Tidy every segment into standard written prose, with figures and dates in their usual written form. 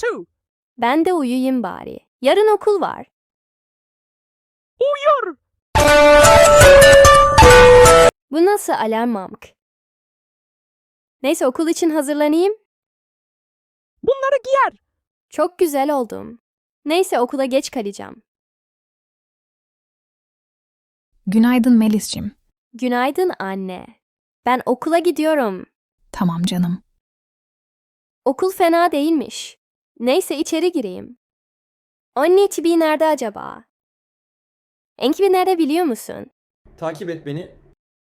too. Ben de uyuyayım bari. Yarın okul var. Uyur. Bu nasıl alarmamk? Neyse okul için hazırlanayım. Bunları giyer. Çok güzel oldum. Neyse okula geç kalacağım. Günaydın Melis'cim. Günaydın anne. Ben okula gidiyorum. Tamam canım. Okul fena değilmiş. Neyse içeri gireyim. Anne Tibi nerede acaba? Enkibi nerede biliyor musun? Takip et beni.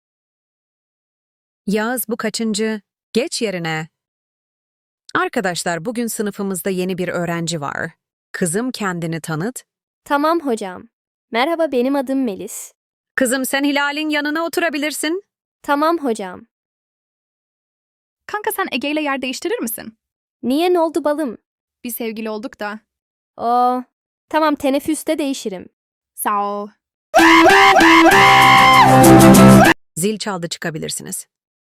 Yağız bu kaçıncı? Geç yerine. Arkadaşlar bugün sınıfımızda yeni bir öğrenci var. Kızım kendini tanıt. Tamam hocam. Merhaba benim adım Melis. Kızım sen Hilal'in yanına oturabilirsin. Tamam hocam. Kanka sen Ege ile yer değiştirir misin? Niye ne oldu balım? Bir sevgili olduk da. Oo. Tamam teneffüste değişirim. Sağ ol. Zil çaldı çıkabilirsiniz.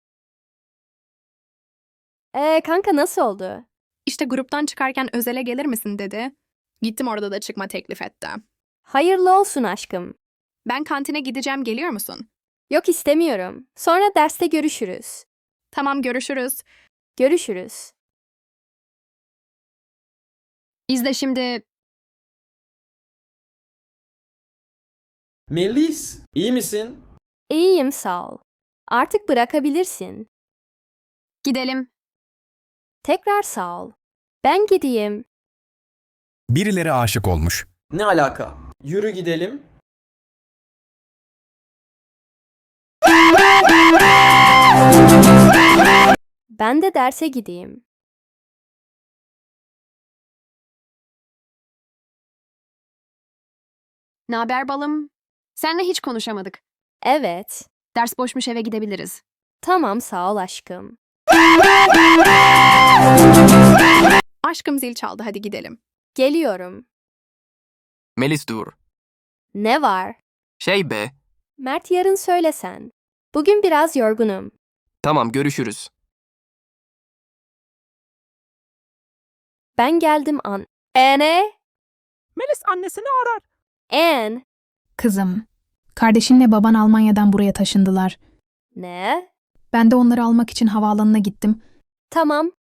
Kanka nasıl oldu? İşte gruptan çıkarken özele gelir misin dedi. Gittim orada da çıkma teklif etti. Hayırlı olsun aşkım. Ben kantine gideceğim geliyor musun? Yok istemiyorum. Sonra derste görüşürüz. Tamam görüşürüz. Görüşürüz. İzle şimdi. Melis, iyi misin? İyiyim sağ ol. Artık bırakabilirsin. Gidelim. Tekrar sağ ol. Ben gideyim. Birileri aşık olmuş. Ne alaka? Yürü gidelim. Ben de derse gideyim. Naber balım? Seninle hiç konuşamadık. Evet. Ders boşmuş eve gidebiliriz. Tamam sağ ol aşkım. Aşkım zil çaldı hadi gidelim. Geliyorum. Melis dur. Ne var? Şey be. Mert yarın söylesen. Bugün biraz yorgunum. Tamam görüşürüz. Ben geldim an. Ne? Melis annesini arar. En. Kızım, kardeşinle baban Almanya'dan buraya taşındılar. Ne? Ben de onları almak için havaalanına gittim. Tamam.